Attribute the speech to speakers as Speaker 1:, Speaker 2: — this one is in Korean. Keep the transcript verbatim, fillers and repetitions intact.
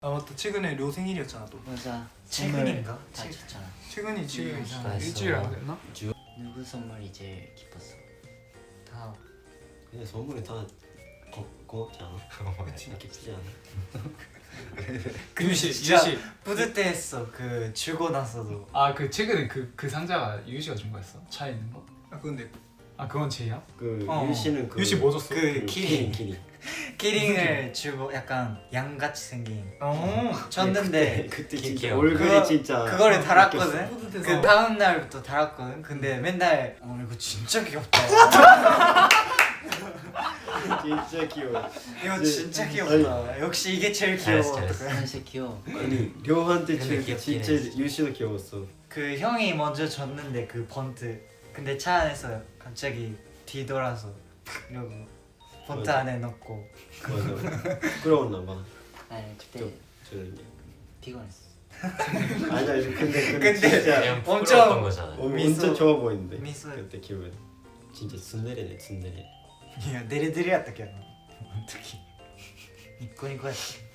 Speaker 1: 아 맞다, 최근에 료 생일이었잖아 또.
Speaker 2: 맞아.
Speaker 3: 최근인가?
Speaker 2: 다 줬잖아.
Speaker 1: 최근이 지금
Speaker 2: 음,
Speaker 4: 일주일 안 됐나?
Speaker 2: 누구 선물이 제일 기뻤어?
Speaker 3: 다
Speaker 5: 근데 선물이 다 고, 고맙지 않아?
Speaker 1: 그치.
Speaker 5: 기쁘지 않아?
Speaker 3: 그
Speaker 4: 유시
Speaker 3: 진짜
Speaker 4: 유시
Speaker 3: 뿌듯해했어. 그 주고 나서도.
Speaker 4: 아 그 최근에 그 그 상자가 유시가 준 거였어? 차에 있는 거?
Speaker 1: 아 근데
Speaker 4: 아 그건 제이야?
Speaker 5: 그
Speaker 3: 어.
Speaker 5: 유씨는 그
Speaker 4: 유시 뭐 줬어?
Speaker 3: 그
Speaker 5: 그
Speaker 3: 키링.
Speaker 5: 키링
Speaker 3: 키링을 주고 약간 양같이 생긴
Speaker 1: 어
Speaker 3: 줬는데
Speaker 5: 그때
Speaker 2: 기-
Speaker 5: 진짜
Speaker 2: 귀여워.
Speaker 5: 얼굴이
Speaker 3: 그거-
Speaker 5: 진짜
Speaker 3: 그거를 달았거든.
Speaker 1: 뿌듯해서.
Speaker 3: 그 다음 날부터 달았거든. 근데 맨날 어 이거 진짜 귀엽다.
Speaker 5: 진짜 귀여워.
Speaker 3: 이거
Speaker 5: 네.
Speaker 3: 진짜 귀엽다. 역시 이게 제일 귀여워.
Speaker 2: 잘했어, 잘했어.
Speaker 3: 어떡해.
Speaker 2: 진짜 귀여워.
Speaker 5: 아니 료한테
Speaker 2: 근데
Speaker 5: 진짜
Speaker 2: 귀엽긴
Speaker 5: 진짜
Speaker 2: 해.
Speaker 5: 유씨도 귀여웠어.
Speaker 3: 그 형이 먼저 줬는데 그 번트. 근데 차 안에서 갑자기 뒤돌아서 이러고 번트
Speaker 5: 맞아.
Speaker 3: 안에 넣고.
Speaker 5: 맞아. 부끄러웠나 봐.
Speaker 2: 아니 그때
Speaker 5: 저 저는 게.
Speaker 2: 피곤했어.
Speaker 5: 아니 아니 근데 근데,
Speaker 3: 근데
Speaker 5: 진짜
Speaker 6: 그냥
Speaker 3: 엄청-
Speaker 6: 부끄러웠던 거잖아.
Speaker 5: 어,
Speaker 3: 미소-
Speaker 5: 엄청 좋아 보이는데.
Speaker 3: 미소-
Speaker 5: 그때 기분 진짜 순내리네 순내리.
Speaker 3: いやデレデレやったけどなあの時ニッコニコやった